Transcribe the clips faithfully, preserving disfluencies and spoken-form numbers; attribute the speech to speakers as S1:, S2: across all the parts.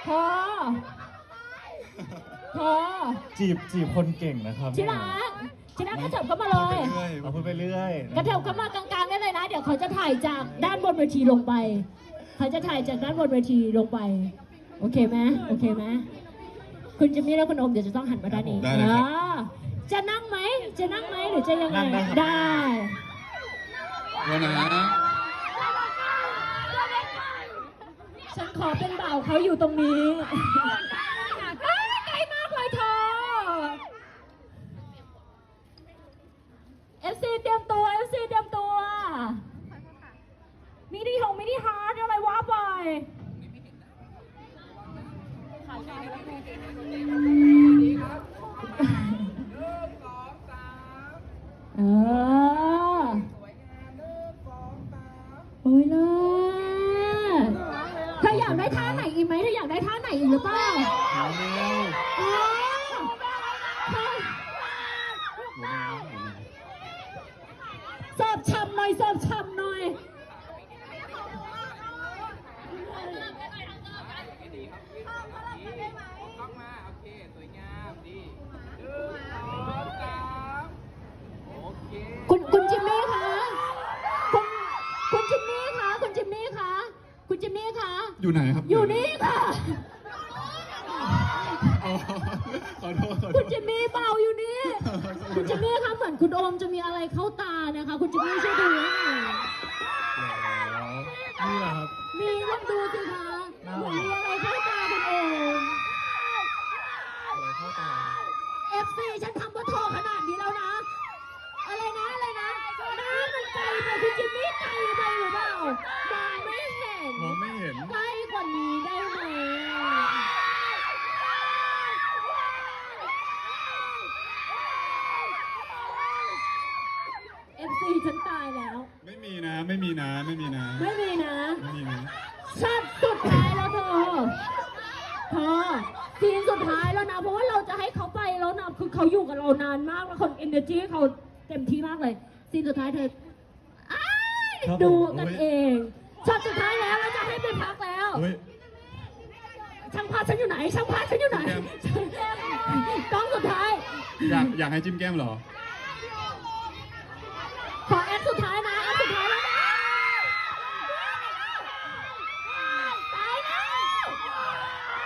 S1: พอพอ
S2: จีบจีบคนเก่งนะครับ
S1: ชิรักชิรักกระเถิบเข้ามาเลย
S2: เราพูดไปเรื่อย
S1: กระเถิบเข้ามากลางๆได้เลยนะ เดี๋ยวเขาจะถ่ายจากด้านบนเวทีลงไปเขาจะถ่ายจากด้านบนเวทีลงไปโอเคไหมโอเคไหมคุณจิมมี่และคุณโอมเดี๋ยวจะต้องหันมาด้านนี้
S3: ได้เลยครับ
S1: อ่าจะนั่งไหมจะนั่งไหมหรือจะยังไงได้
S3: วันนะ
S1: ฉันขอเป็นบ่าวเขาอยู่ตรงนี้อ้าวไกลมากเลยเธอ เอฟ ซี เตรียมตัว เอฟ ซี เตรียมตัว มินิฮงมินิฮาร์ดอะไรวะไปเออโอ้ยเลิศเธออยากได้ท่าไหนอีกไหมเธออยากได้ท่าไหนอีกหรือเปล่า
S2: ๆเอาเร็ว
S1: อ๋อเธอเสิร์ฟฉ่ำหน่อยเสิร์ฟฉ่ำหน่อย
S4: ต้องมาโอเคสวยงามดีหนึ่งสองสามโอเค
S1: คุณคุณจิมมี่คะคุณคุณจิมมี่คะคุณจิมมี่คะคุณจิมมี่คะ
S3: อยู่ไหนครับ
S1: อยู่นี่ค่ะ
S3: อ๋อขอโทษขอโท
S1: คุณ
S3: ษ
S1: จิมมี่เบาอยู่นี่ คุณจิมมี่คะเหมือนคุณโอมจะมีอะไรเข้าตานะคะ คุณจิมมี่ช่วยดูหน่อย
S2: นี่แหละครับ
S1: มีลองดูสิคะเหมือนมีอะไรเข้าตาคุณโอม
S2: เข้าตา
S1: เอฟซีฉันทำว่าโทรขนาดนี้แล้วนะ อะไรนะอะไรนะหน้ามันไกลไปคุณจิมมี่ไกลไปหรือเปล่ามองไม่เห็น
S3: มองไม่เห็น
S1: ใกล้กว่านี้ได้ไหมเอฟซีฉันตายแล้ว
S3: ไม่มีนะ ไม่มีนะ ไม่มีนะ
S1: ไม่มีนะ
S3: ไม่มีนะ
S1: ชัดสุดท้ายแล้วเธอเธอซีนสุดท้ายแล้วนะ เพราะว่าเราจะให้เขาไปแล้วนะ คือเขาอยู่กับเรานานมากแล้วคนเอเนอร์จีเขาเต็มที่มากเลยซีนสุดท้ายเธออ้าย
S2: ครับผม
S1: ดูกันเองช็อตสุดท้ายแล้วเราจะให้ไปพักแล้ว
S3: เฮ้ย
S1: ช่างภาพฉันอยู่ไหน ช่างภาพฉันอยู่ไหนกล้องสุดท้าย
S3: อยากอยากให้จิ้มแก้มเหรอ
S1: ขอแอคสุดท้ายนะแอคสุดท้ายแล้วนะตายแล้ว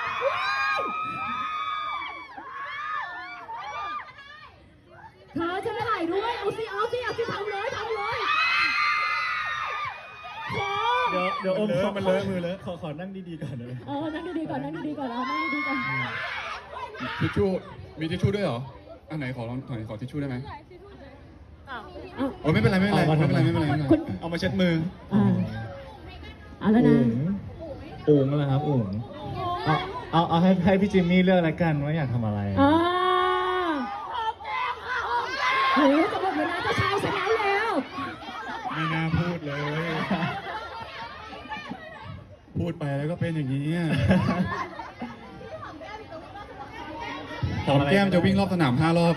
S1: เธอจะไม่ถ่ายด้วย เอาสิเอาสิเอาสิทำเลยทำเลยโอ้
S2: เดี๋ยวเดี๋ยวอมขอ
S3: มันเลอะ
S2: ขอมือเลอะขอขอนั่งดีๆก่อนได้ไหม
S1: เออนั่งดีๆก่อนนั่งดีๆก่อนเอานั่งดีๆก่อน
S3: ทิชชู่ มีทิชชู่ด้วยเหรอ อันไหนขอลองถอยขอทิชชู่ได้ไหม
S1: เอา
S3: โอ้ยไม่เป็นไรไม่เป็นไรไม่เป็นไรไม่เป็นไรไม่เป็นไรเอามาเช็ดมือ
S1: อ่าเอาแล้วนะ
S2: อุ๋งอุ๋งนะครับอุ๋งเอาเอาเอาให้ให้พี่จิมมี่เลือกแล้วกันว่าอยากทำอะไร
S1: อ่าโหจะหมดเวลาจะเช้าซะแล้วแล้ว
S3: ไม่น่าพูดเลย พูดไปแล้วก็เป็นอย่างนี้อะหอมแก้มจะวิ่งรอบสนามห้ารอบ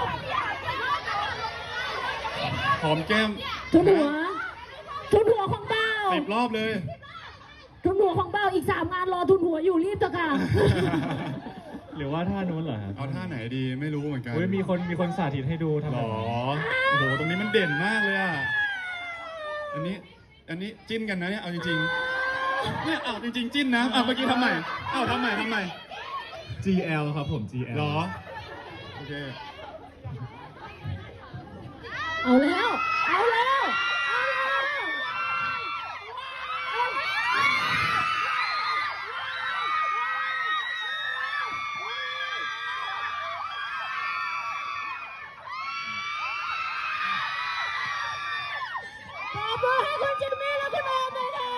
S3: หอมแก้ม
S1: ทุนหัวทุนหัวของเบ้า
S3: สิบรอบเลย
S1: ทุนหัวของเบ้าอีกสามงานรอทุนหัวอยู่รีบเถอะค่ะ
S2: หรือว่าท่านู้นเหรอครับ
S3: เอาท่าไหนดีไม่รู้เหมือนกัน
S2: เฮ้ยมีคนมีคนสาธิตให้ดูทำ
S3: หร
S2: แบบ
S3: อ
S2: ไหน
S3: โอ้โห ตรงนี้มันเด่นมากเลยอ่ะ อันนี้ อันนี้จิ้นกันนะเนี่ย เอาจริงๆ เนี่ยเอาจริงๆ จิ้นนะเอาเมื่อกี้ทำใหม่เอาทำใหม่ทำใหม่
S2: จี แอล ครับผม จี แอล
S3: หรอ โอเค
S1: เอาแล้ว เอาแล้ว เอาแล้วขอบคุณให้คุณจิมมี่และคุณโอมเลยค่ะ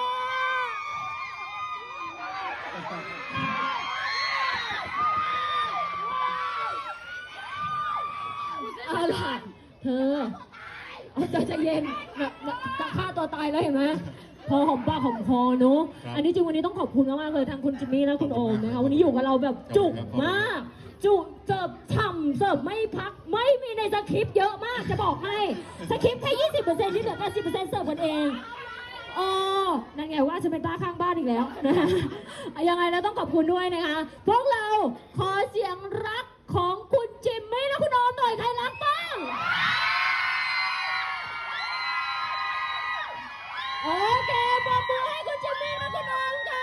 S1: เอาล่ะเธอเอาใจใจเย็นแบบจะฆ่าตัวตายแล้วเห็นไหมพอหอมปากหอมคอเนอะ
S3: ครับ
S1: อันนี้จริงวันนี้ต้องขอบคุณมากๆเลยทั้งคุณจิมมี่และคุณโอมนะคะวันนี้อยู่กับเราแบบจุกมาก จุเสิร์ฟฉ่ำเสิร์ฟไม่พักไม่มีในสคริปต์เยอะมากจะบอกให้สคริปต์แค่ยี่สิบเปอร์เซ็นต์ที่เหลือแปดสิบเปอร์เซ็นต์เสิร์ฟกันเองเออนั่นไงว่าจะเป็นบ้าข้างบ้านอีกแล้วนะคะยังไงเราต้องขอบคุณด้วยนะคะ พวกเราขอเสียงรักของคุณจิมมี่และคุณโอมหน่อยใครรักบ้างโอเคปรบมือให้คุณจิมมี่และคุณโอมค่ะ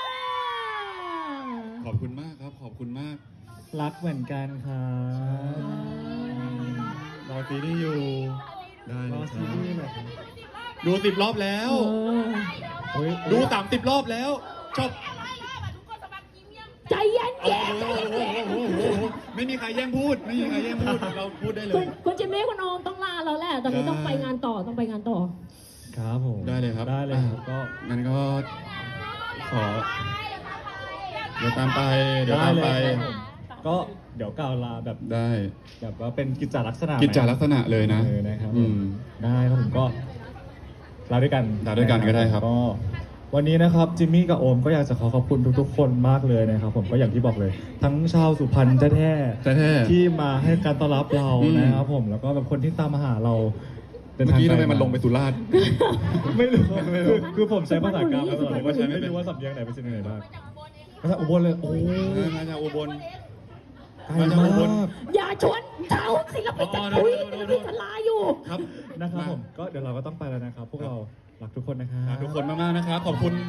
S3: ขอบคุณมากครับ ขอบคุณมาก
S2: รักเหมือนกันครับรอซีรีส์อยู่
S3: ได้
S2: ร
S3: เล
S2: อย
S3: ค
S2: ซี
S3: รับ
S2: รีส์หน่อยครับ
S3: ดูสิบรอบแล้ว
S2: เฮ้ย
S3: ดูสามสิบรอบแล้วชอบ
S1: ใจเย็น
S3: โอ้
S1: เย็น
S3: โหโอ้โหโอ้โหไม่มีใครแย่งพูด ไม่มีใครแย่งพูด เราพูดได้เล
S1: คุณ
S3: ย
S1: คุณจิมมี่คุณโอมต้องลาแล้วแหละตอนนี้
S3: ได้
S1: ต้องไปงานต่อต้องไปงานต่อ
S2: ครับผม
S3: ได้เลยครับ
S2: ได้เลยครับก็
S3: งั้นก็ขอ เดี๋ยวตามไป เดี๋ยว
S2: ได้
S3: ตาม
S2: เล
S3: ไป
S2: ยครับผมก็เดี๋ยวกล่าวลาแบบ
S3: ได้
S2: แบบว่าเป็นกิจจาลักษณะ
S3: กิจจาลักษณะเลยนะ
S2: เออนะครับ
S3: อืม
S2: ได้ครับผมก็ลาด้วยกัน
S3: ลาด้วยกันก็ได้ครับ
S2: ก็วันนี้นะครับจิมมี่กับโอมก็อยากจะขอขอบคุณทุกๆ คนมากเลยนะครับ ผมก็อย่างที่บอกเลย ทั้งชาวสุพรรณแท้
S3: แท้
S2: ๆที่มาให้การต้อนรับเรา
S3: อืม
S2: นะครับผมแล้วก็แบบคนที่ตามมาหาเรา
S3: เมื่อกี้ทำไมมันลงไปสุราษฎร์
S2: ไม่รู้คือคือผมใช้ภาษากลางมาตลอดเลย
S3: ไม่
S2: ว่า
S3: ใช่
S2: ฉัน
S3: ไม่
S2: ไม่
S3: เป็น
S2: รู้ว่าสำเนียงไหนเป็นสำเนียงไหนบ้างมาจากอุบลเลยโอ้ย
S3: มาจากอุบล
S2: ไกล
S3: มาจากอุบล
S2: มาก
S1: อย่าชวนเท้าศิลปินจะคุยศิลปินจะลาอยู่
S3: ครับ
S2: นะครับผมก็เดี๋ยวเราก็ต้องไปแล้วนะครับ พวกเรารักทุกคนนะครับ
S3: ขอบคุณทุกคนมากๆนะครับ ขอบคุณ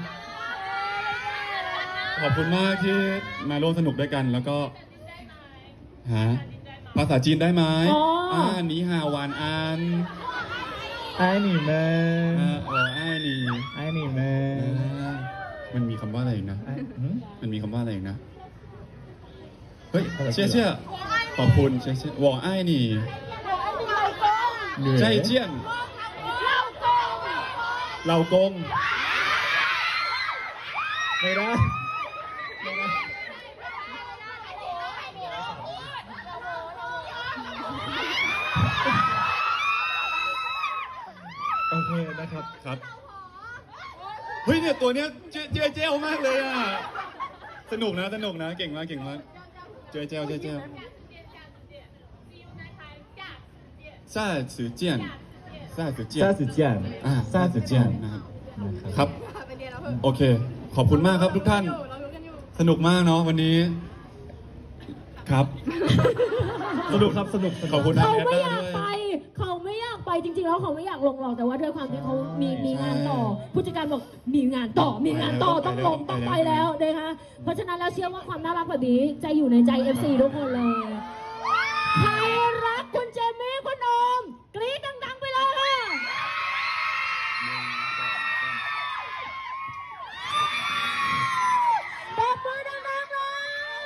S3: ขอบคุณมากที่มาร่วมสนุกด้วยกัน แล้วก็ฮะภาษาจีนได้ไหม
S1: อ๋ออ่
S3: อ่าหนีฮาวานอัน
S2: ไอ้หนีแม่
S3: อ่าอ๋อไอ้ายหนี
S2: ไอ้หนีแม่
S3: อ่ามันมีคำว่าอะไรอีกนะ
S2: ไอ้หืม
S3: มันมีคำว่าอะไรอีกนะ เฮ้ย
S2: อะไร
S3: เชี่ยเชี่ยขอบคุณเชี่ยเชี่ยวอไอ้ายหนี
S2: เหนื่อย
S3: ใจเจียนเหล่ากง
S2: ไม่ได้ไม่ได้โอเคนะครับ
S3: ครับ เฮ้ยเนี่ยตัวเนี้ยเจ๊เจ๊เจ้ามากเลยอ่ะ สนุกนะสนุกนะเก่งมากเก่งมากเจ๊เจ้เจ๊เจ้ซาสือเจียนซาสือเจียน
S2: ซาสึเจียน
S3: อ่า
S2: ซาสึเจียน
S3: นะครับ
S2: นะครับ
S3: ครับ โอเค ขอบคุณมากครับทุกท่าน สนุกมากเนาะวันนี้ ครับ
S2: สนุกครับสนุกสนุก
S3: ขอบคุณ
S1: เขา
S3: แอด
S1: ไม่
S3: ด้า
S1: อยาก
S3: ด้วย
S1: ไป เขาไม่อยากไปจริงๆแล้วเขาไม่อยากลงหรอกแต่ว่าด้วยความที่เขามีมีงานต่อ ผู้จัดการบอกมีงานต่อมีงานต่อต้องลงต้องไปแล้วนะคะเพราะฉะนั้นแล้วเชื่อว่าความน่ารักแบบนี้จะอยู่ในใจ เอฟ ซี ทุกคนเลย ใครรักคุณเจมี่คุณโอมกรี๊ดดังๆไปเลยค่ะปรบมือดังๆเลย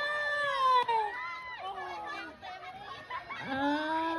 S1: อ่า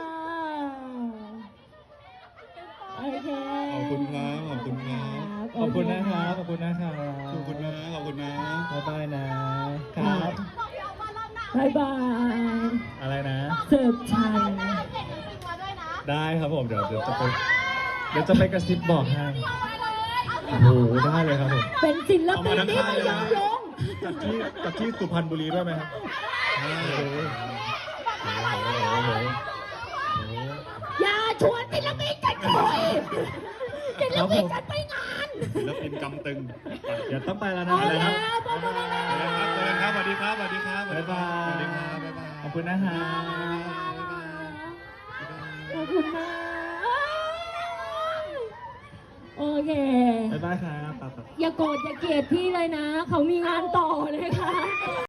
S1: โอเค
S3: ขอบคุณครับ ขอบคุณครับ
S2: ขอบคุณนะครับขอบคุณนะครับ
S3: ขอบคุณนะ ขอบคุณนะ
S2: บ๊ายบายนะครับ
S1: บายบาย
S2: อะไรนะ
S1: เสิร์ฟชัย
S2: ได้ครับผมเดี๋ยวเดี๋ยวจะไปเดี๋ยวจะไปกระซิบบอกให้โอ้โหได้เลยครับผม
S1: เป็นศิลปิน
S3: เอามาทั้ง
S1: ที่
S3: ค่าย
S1: ไม่
S3: เลย
S1: ย
S3: นะ
S1: อมลง
S2: จากที่จากที่สุพรรณบุรีด้วยไหมครับโอ้โหโอ้โหโอ้โหโอ้โห
S1: อย่าชวนศิลปินกันคุยศิลปินกันไปงาน
S3: ศิลปินกำตึง
S2: เดี๋ยวต้องไปแล้วนะ
S1: เอา
S2: อะไร
S1: แล้
S2: ครับ
S1: วปรบมือดังๆ
S3: เจอกันครับเจอกันครับสวัสดีครับสวัสดีครับ
S2: บ๊ายบาย
S3: สวัสดีครับบ๊ายบาย
S2: ขอบคุณนะครับ
S1: ขอบคุณมากโอเค
S2: บ๊ายบายครับ
S1: อย่าโกรธอย่าเกลียดพี่เลยนะ เขามีงานต่อเลยค่ะ